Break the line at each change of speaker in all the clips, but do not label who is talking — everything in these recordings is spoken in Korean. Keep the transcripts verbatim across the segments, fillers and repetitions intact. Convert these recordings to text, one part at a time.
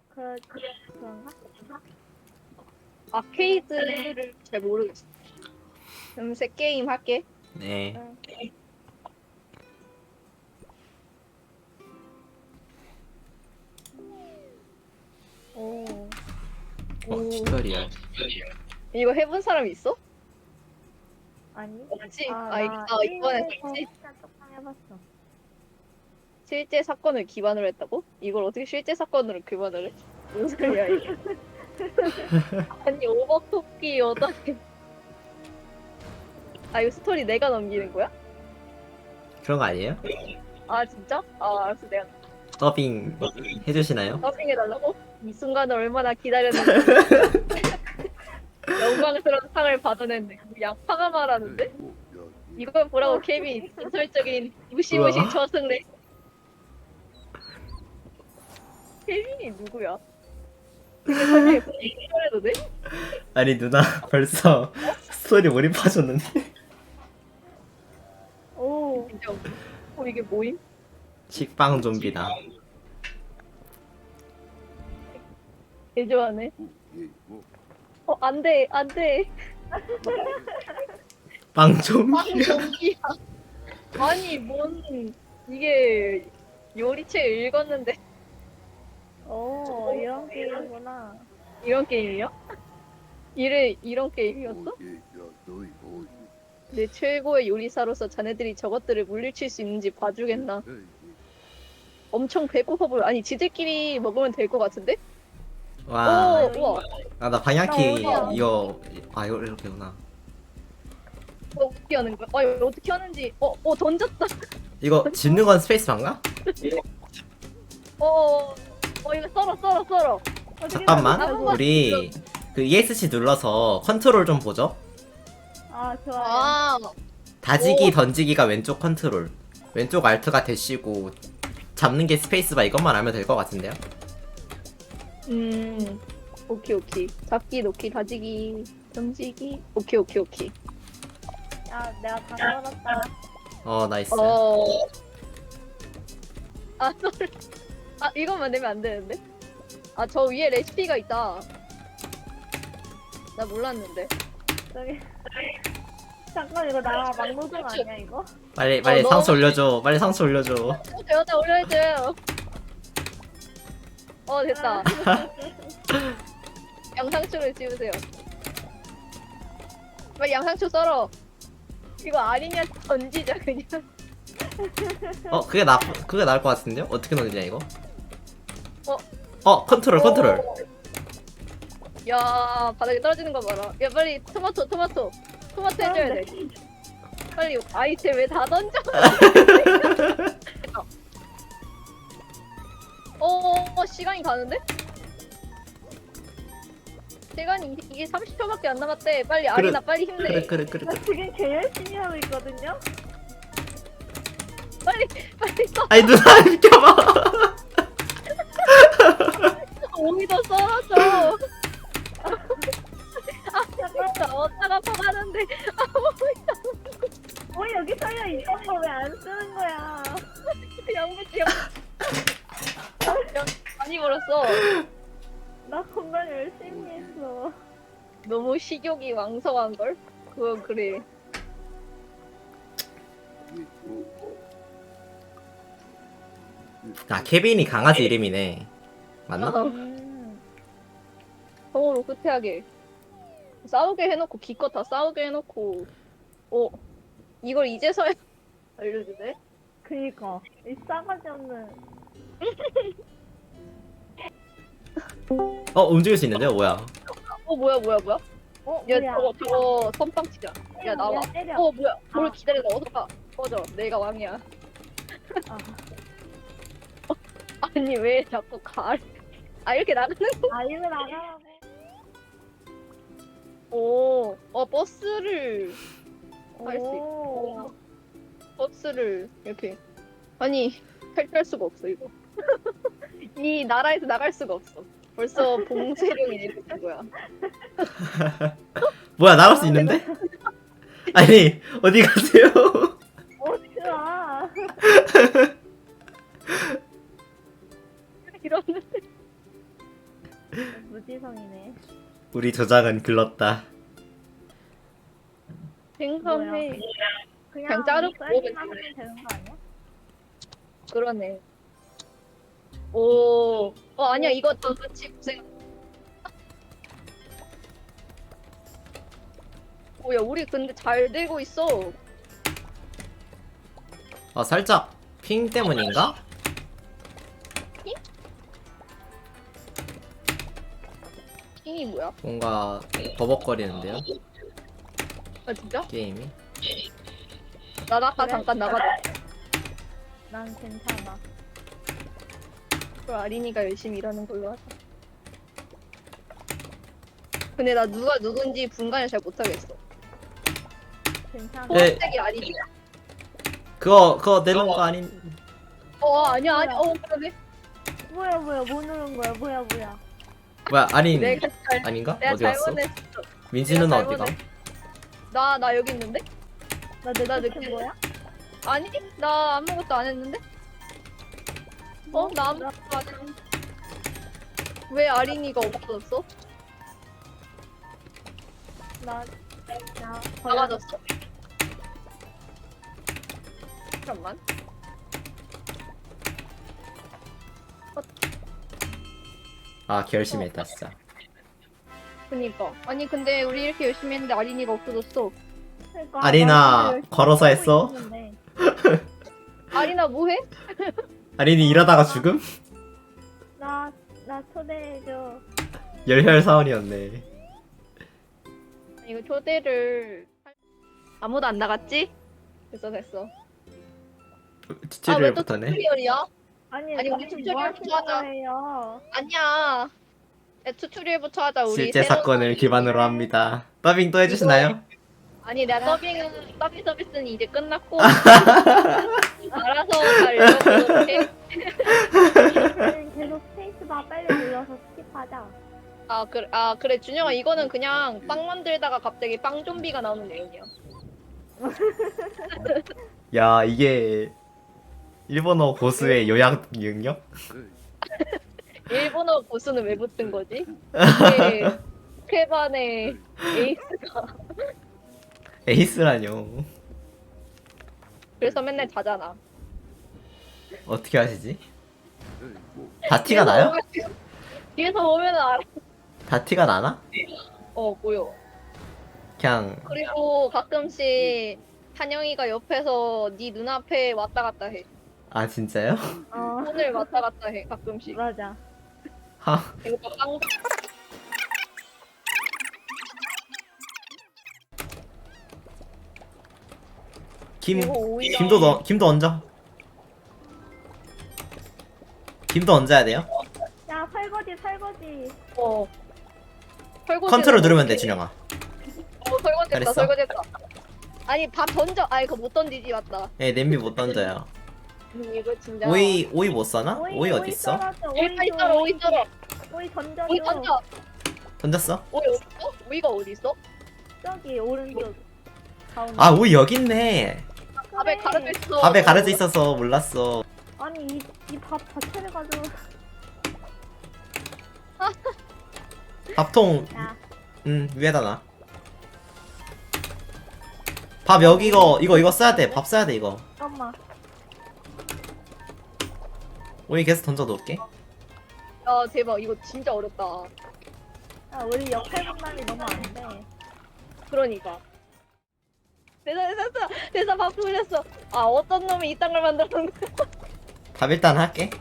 그, 그런가?
아케이드를 잘 모르겠어. 음새 게임 할게.
네.
응. 오.
어,
오.
튜토리얼.
이거 해본 사람 있어?
아니?
없지?
아,
아, 이-
나
아, 이번에
게임에서
했지?
진짜 조금 해봤어.
실제 사건을 기반으로 했다고? 이걸 어떻게 실제 사건으로 기반을 해? 무슨 소리야 이게? 아니 오버쿠키 어떻게? 아 이거 스토리 내가 넘기는 거야?
그런 거 아니에요?
아 진짜? 아 알았어 내가
더빙 해주시나요?
더빙해달라고? 이 순간을 얼마나 기다렸는지 영광스러운 상을 받아냈네. 양파가 말하는데? 이걸 보라고 케빈 전설적인 무시무시
우와.
저승래. 케빈이 누구야? 근데 설명해 해도 돼?
아니 누나 벌써 스토리 몰입하셨는데.
오.
진짜 어 이게 뭐임?
식빵 좀비다.
개 좋아하네. 어 안돼 안돼.
빵 좀비.
빵 전기야. 아니 뭔 이게 요리책 읽었는데
오, 이런 게임이구나.
이런 게임이야? 이래 이런 게임이었어? 내 최고의 요리사로서 자네들이 저것들을 물리칠 수 있는지 봐주겠나? 엄청 배고파 보여. 아니 지들끼리 먹으면 될 것 같은데?
와.
오 우와.
아 나 방향키
나 어디야?
이거 아 이거 이렇게구나.
어, 어떻게 하는 거야? 아 이거 어떻게 하는지 어, 어 던졌다.
이거 집는 건 스페이스바인가?
어, 어, 어 이거 썰어 썰어 썰어.
잠깐만.
아무거나
우리 그 이에스씨 눌러서 컨트롤 좀 보죠.
아, 좋아요.
아
다지기
오.
던지기가 왼쪽 컨트롤, 왼쪽 알트가 대시고 잡는 게 스페이스바. 이것만 알면 될 것 같은데요?
음, 오케이, 오케이. 잡기, 놓기, 다지기, 던지기. 오케이, 오케이, 오케이.
야, 내가 다 걸었다.
어 나이스.
어. 아, 썰. 아, 이것만 내면 안 되는데? 아, 저 위에 레시피가 있다. 나 몰랐는데.
저기. 잠깐, 이거 나 막노동 아니야, 이거?
빨리 빨리
어,
상처
너무-
올려줘. 빨리 상처 올려줘.
여기다 올려줘요. 어, 됐다. 양상추를 씹으세요. 빨리 양상추 썰어. 이거 아니냐 던지자 그냥.
어 그게 나 그게 나을 것 같은데요? 어떻게 넣느냐 이거?
어.
어 컨트롤 컨트롤.
오. 야 바닥에 떨어지는 거 봐라. 야 빨리 토마토 토마토 토마토 해줘야 돼. 빨리 아이템 왜 다 던져? 어 시간이 가는데? 시간이 이- 이게 삼십 초밖에 안 남았대. 빨리 아리나 빨리 힘내.
그래 그래 그래
나
그래.
지금 개 열심히 하고 있거든요?
빨리 빨리 써.
아니 누나 비켜봐.
오이도 썰어줘. 아 진짜 어디다가 퍼가는데.
뭐 여기 써여 있던 거 왜 안 쓰는 거야?
양배추 양 많이 벌었어.
나 건강 열심히 했어.
너무 식욕이 왕성한 걸? 그건 그래.
아 케빈이 강아지 이름이네. 맞나?
아,
음.
서로 후퇴하게 싸우게 해놓고 기껏 다 싸우게 해놓고 어 이걸 이제서야 알려주네.
그니까. 이 싸가지 없는.
어 움직일 수 있는데요? 뭐야?
어 뭐야 뭐야 뭐야?
어,
야
뭐야.
저거 저거 선빵치자. 야 나와.
야, 때려.
어 뭐야? 뭘
아.
기다려 나 어디가? 꺼져. 내가 왕이야.
아,
아니 왜 자꾸 가? 아 이렇게 나가는 거?
아, 이거 나가라고.
오, 어 버스를 할 수
오.
있고 버스를 이렇게 아니 탈출할 수가 없어 이거. 이 나라에서 나갈 수가 없어. 벌써 봉쇄령이 내려진 거야.
뭐야 나갈 수 있는데? 아니 어디 가세요?
어디가?
이러는데
세상이네.
우리 조작은 글렀다.
생선회.
그냥,
그냥 자르고
썰기만
먹으면
하면 되는 거 아니야?
그러네. 오. 어 아니야 이거 다 같이 고생. 오야 우리 근데 잘 되고 있어.
아 살짝 핑 때문인가?
킹이 뭐야?
뭔가 버벅거리는데요
아 진짜?
게임이.
나 아까
그래?
잠깐 나가자.
난 괜찮아.
그럼 아린이가 열심히 일하는 걸로 하자. 근데 나 누가 누군지 분간을 잘 못하겠어.
괜찮아.
네.
초록색이 아린이야.
그거 그거 내는 거 아닌.
어 아니야 아니야. 어 그러네.
뭐야 뭐야 뭐 누른 거야 뭐야 뭐야.
뭐야 아닌
내가 잘
아닌가?
내가
어디 갔어?
잘못했어.
민지는
내가
어디가?
잘못했어. 나 나 여기 있는데?
나
나
늦게
늦게-
거야?
아니 나 아무것도 안 했는데? 어?
뭐?
나 아무것도 안 했는데? 왜 아린이가 없어졌어?
나, 나,
나가졌어. 잠깐만.
아 결심했다 진짜.
그니까. 아니 근데 우리 이렇게 열심히 했는데 아린이가 없어졌어.
그러니까
아리나,
나 열심히
걸어서
하고
했어?
있었는데.
아린아 뭐해?
아린이 일하다가 죽음?
나, 나 초대해줘.
열혈 사원이었네.
이거 초대를 할- 아무도 안 나갔지? 됐어 됐어. 아왜 또
튜토리얼부터네.
튜토리얼이야?
아니,
아니, 우리
무슨
튜토리얼
뭐 하시는
하자.
거예요?
아니야. 야, 튜토리얼부터 하자 우리.
실제
새로운
사건을
서비스.
기반으로 합니다. 더빙 또 해주시나요?
아니 내가 서빙은 서빙 서비스는 이제 끝났고 알아서 잘 읽어보도록 해.
우리는 계속 스페이스바 빨리 눌러서 스킵하자.
아 그래 아 그래 준영아 이거는 그냥 빵 만들다가 갑자기 빵 좀비가 나오는 내용이야.
야 이게 일본어 고수의 요약 능력?
일본어 고수는 왜 붙은 거지? 이게 스케반의 에이스가
에이스라뇨.
그래서 맨날 자잖아.
어떻게 하시지? 다 티가 나요?
뒤에서 보면 알아.
다 티가 나나?
어 보여.
그냥
그리고 가끔씩 한영이가 옆에서 네 눈앞에 왔다 갔다 해.
아 진짜요?
어,
손을 왔다 갔다 해 가끔씩.
맞아.
하
이거 빵
김
이거 오히려-
김도 넣 김도 얹어. 김도 얹어야 돼요?
야, 설거지, 설거지.
어. 설거지
컨트롤 누르면 돼 준영아.
어 설거지했다
잘했어?
설거지했다. 아니 밥 던져. 아니 그거 못 던지지 맞다.
예 냄비 못 던져요.
음, 이거 진짜.
오이 오이 못 써나? 오이 어디 있어?
썰어줘,
오이
오이
썰어 오이 썰어.
오이 던져줘.
오이 던져.
던졌어?
오이 어디 있어? 오이가 어디 있어?
저기 오른쪽 가운데.
아 오이 여기 있네.
밥에
그래.
가려져 있어.
밥에 가려져 있어서 몰랐어.
아니 이 이 밥 자체를 가지고.
밥통
야,
음 위에다 놔. 밥 여기 이거 이거 이거 써야 돼. 밥 써야 돼 이거.
잠깐만.
오이 계속 던져 놓을게.
야 대박 이거 진짜 어렵다.
야, 우리 역할 분담이 너무 안 돼.
그러니까. 됐어 됐어 됐어 됐어 밥 풀렸어. 아 어떤 놈이 이딴 걸 만들었는 거야?
밥 일단 할게.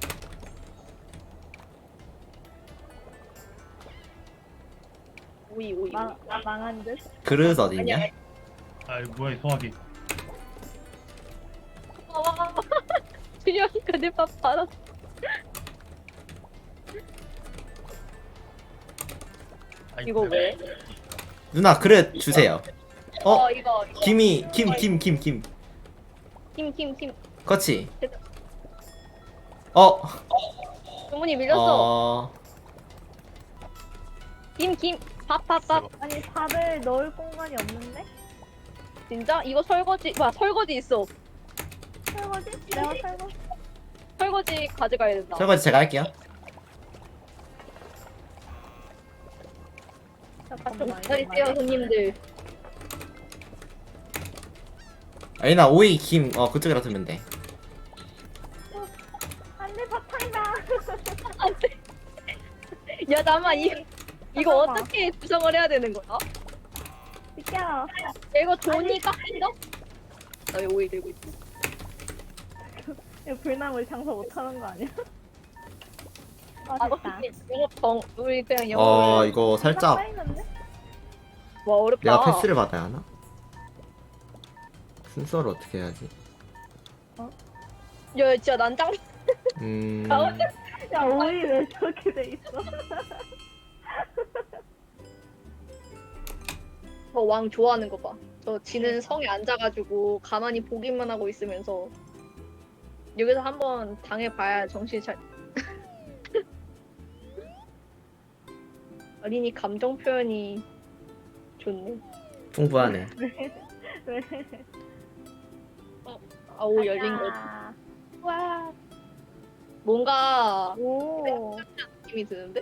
오이 오이.
망 망한 듯.
그릇 어디
아니야.
있냐?
아이 뭐야 이 소화기.
아, 준영이가 내 밥 받았어.
아이,
이거 왜?
누나 그릇 주세요. 어?
어 이거 이거.
김이 김 김 김 김.
김 김 김.
그렇지. 어.
주문이 밀렸어.
어.
김 김. 밥 밥 밥.
아니 밥을 넣을 공간이 없는데?
진짜? 이거 설거지. 와 설거지 있어.
설거지? 내가 설거지.
설거지 가져가야 된다.
설거지 제가 할게요.
잠깐만.
기다리세요 손님들.
아니나 오이 김 어 그쪽이라 두면 돼.
안돼 바탕이다.
야 잠만 이 이거
잠깐만.
어떻게 구성을 해야 되는 거야?
비켜.
야, 이거 돈이 깎인다? 나왜 오일 들고 있어?
이거 불나물 장사 못하는 거 아니야? 아
아,
됐다.
영업 정 우리 그냥
어
영업을.
이거 살짝
쌓이는데?
와 어렵다.
내가 패스를 받아야 하나? 순서를 어떻게 해야지?
야 진짜 난장.
음.
야 오이 왜 저렇게 돼 있어?
저 왕 좋아하는 거 봐. 저 지는 성에 앉아가지고 가만히 보기만 하고 있으면서 여기서 한번 당해봐야 정신 잘. 어린이 감정 표현이 좋네.
풍부하네.
왜?
아오 열린 거.
아,
와 뭔가
오.
느낌이 드는데?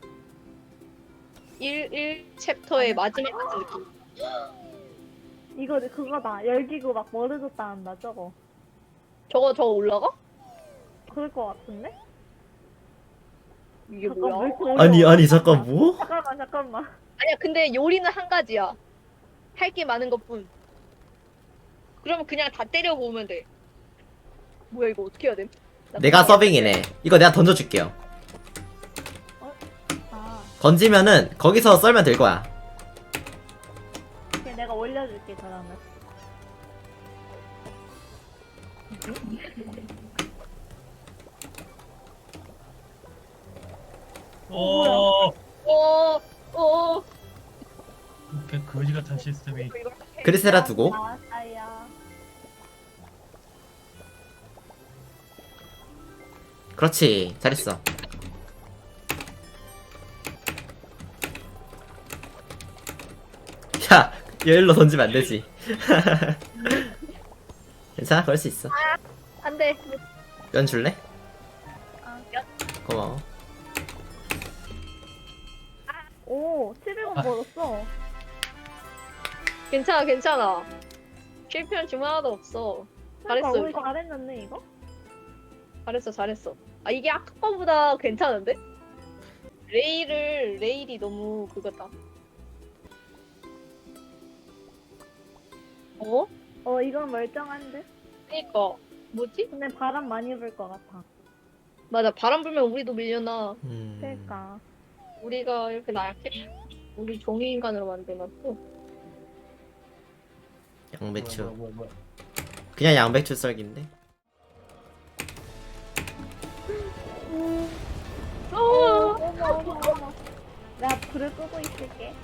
일, 일 챕터의 마지막 같은 느낌.
이거 그거다. 열기구 막 멀어졌다 한다 저거.
저거 저거 올라가?
그럴 것 같은데?
이게
잠깐, 왜
뭐야?
이렇게 어려워?
아니 아니 잠깐 뭐?
잠깐만 잠깐만.
아니야 근데 요리는 한 가지야. 할 게 많은 것뿐. 그러면 그냥 다 때려 보면 돼. 뭐야 이거 어떻게 해야 돼? 나
내가
그냥-
서빙이네. 이거 내가 던져줄게요.
아,
던지면은 거기서 썰면 될 거야.
그냥 내가 올려줄게 그러면.
오,
어, 어,
그 거지 같은 시스템이.
이걸 해.
그리스라 두고.
아, 아야.
그렇지. 잘했어. 야, 여일로 던지면 안 되지. 괜찮아, 그럴 수 있어.
안 돼.
연 줄래?
아,
고마워.
오, 칠백 원
아.
벌었어.
괜찮아, 괜찮아. 실패한 질문 하나도 없어.
그러니까
잘했어.
우리 잘했는데 이거?
잘했어, 잘했어. 아, 이게 아까 거보다 괜찮은데? 레일을, 레일이 너무 그거다. 어?
어, 이건 멀쩡한데?
그니까. 뭐지?
근데 바람 많이 불 것 같아.
맞아, 바람 불면 우리도 밀려나.
음,
그러니까.
우리가 이렇게 나약해? 우리 종이인간으로 만들었어.
양배추.
뭐야, 뭐야, 뭐야.
그냥 양배추 썰기인데?
어,
어머, 어머, 어머. 내가 불을 끄고 있을게.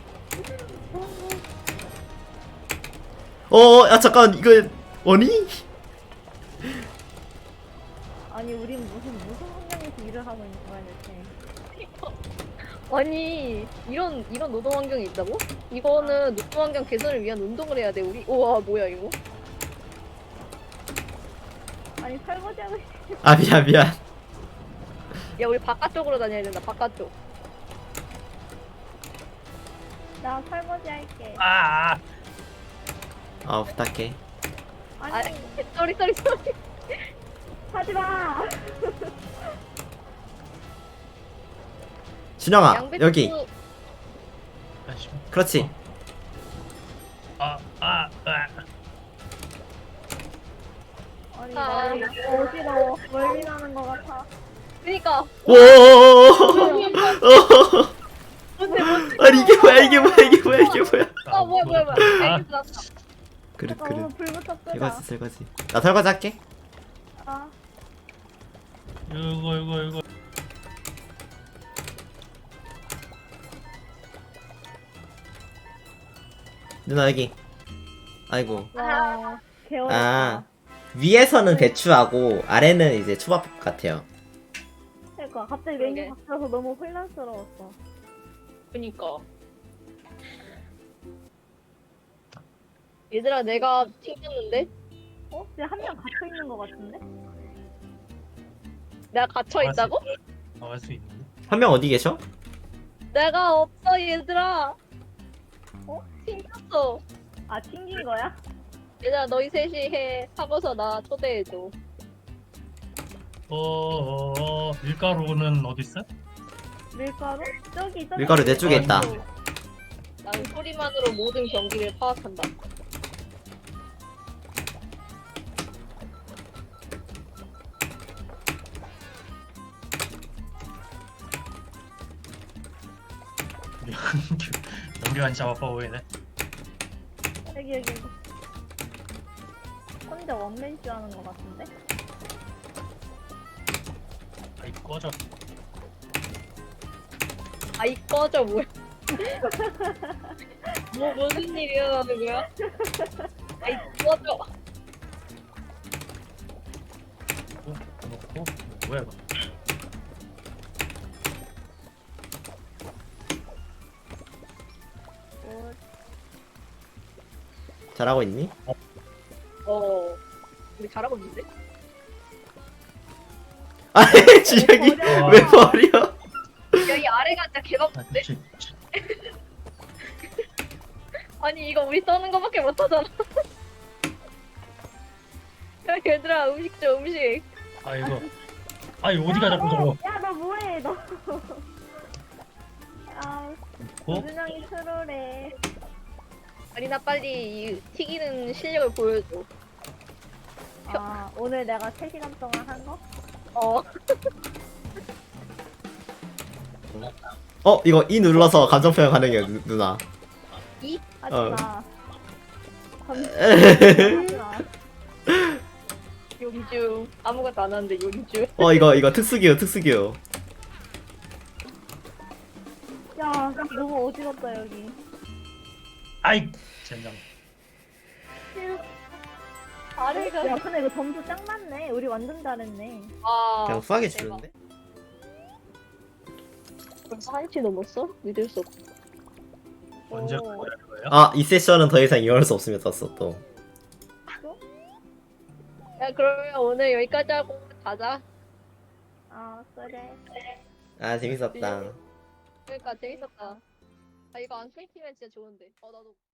어, 야, 잠깐, 이거, 뭐니?
아니, 우린 무슨, 무슨 환경에서 일을 하고 있는 거야, 대체.
아니, 이런, 이런 노동 환경이 있다고? 이거는 노동 환경 개선을 위한 운동을 해야 돼, 우리. 우와, 뭐야, 이거?
아니, 설거지하고 있
아, 미안, 미안.
야, 우리 바깥쪽으로 다녀야 된다, 바깥쪽.
나 설거지 할게.
아, 아,
어, 부탁해.
아,
아니,
쏘리, 쏘리, 쏘리.
하지 마!
준영아,
양배추.
여기.
아씨.
그렇지.
아, 아, 아.
아니,
아.
나 이거 어지러워. 멀미 나는 것 같아.
그니까.
오,
뭔데, 뭔데?
아니, 이게 뭐야, 이게 뭐야, 이게 뭐야, 이게 뭐야.
아, 뭐야, 뭐야, 뭐야.
아,
알겠어, 났다.
그릇,
잠깐, 오늘
그릇.
불부터 끄자.
설거지, 설거지. 나 설거지 할게.
아,
이거, 이거, 이거.
누나, 여기. 아이고.
와, 개어렵다.
아, 위에서는 배추하고, 아래는 이제 초밥 같아요.
그러니까 갑자기
그러게.
메뉴 바뀌어서 너무 혼란스러웠어.
그니까. 얘들아, 내가 튕겼는데?
어? 근데 한 명 갇혀 있는 것 같은데?
내가 갇혀있다고?
나갈 수 있는데?
한 명 어디 계셔?
내가 없어 얘들아. 어? 튕겼어.
아 튕긴 거야?
얘들아 너희 셋이 해. 하고서 나 초대해줘.
어, 어, 어, 밀가루는 어디 있어?
밀가루? 저기 저기.
밀가루 내 쪽에
아,
있다.
나는 소리만으로 모든 경기를 파악한다.
우리 연기가 진짜 바빠 보이네.
여기 여기. 여기. 혼자 원맨쇼 하는 거 같은데?
아이 꺼져.
아이 꺼져 뭐야? 뭐 무슨 일이 일어나는 거야? 아이 꺼져.
어, 놓고 뭐야 이거?
뭐,
잘하고 있니?
어. 우리 잘하고 있는데?
아니 주혁이
버려.
왜 버려?
여기 아래가 진짜
아,
개박인데?
지, 지,
아니 이거 우리 써는 거밖에 못하잖아. 야 얘들아 음식 줘 음식.
아 이거. 아이 어디가 자꾸 저거?
야너 뭐해 너. 아
놓고
우준형이 트롤해.
아리나 빨리 이 튀기는 실력을 보여줘.
아 오늘 내가 세 시간 동안 한 거?
어.
어 이거 이 눌러서 감정 표현 가능해요 누, 누나.
이?
하지
어.
마. 하지 마.
용주 아무것도 안 하는데 용주.
어 이거 이거 특수기요 특수기요.
야 너무 어지럽다 여기.
아이 젠장.
아래가
야 근데 이거 점수 짱 많네. 우리 완전 잘했네.
아
그냥 후하게
대박.
주는데?
벌써 한시 넘었어? 믿을 수 없어.
언제
오.
거야 이거예요?
아 이 세션은 더 이상 이어갈 수 없으면 떴어 또.
야 그러면 오늘 여기까지 하고 가자.
아 그래.
아 재밌었다.
그러니까 재밌었다. 아 이거 안 끊기면 진짜 좋은데. 어 나도.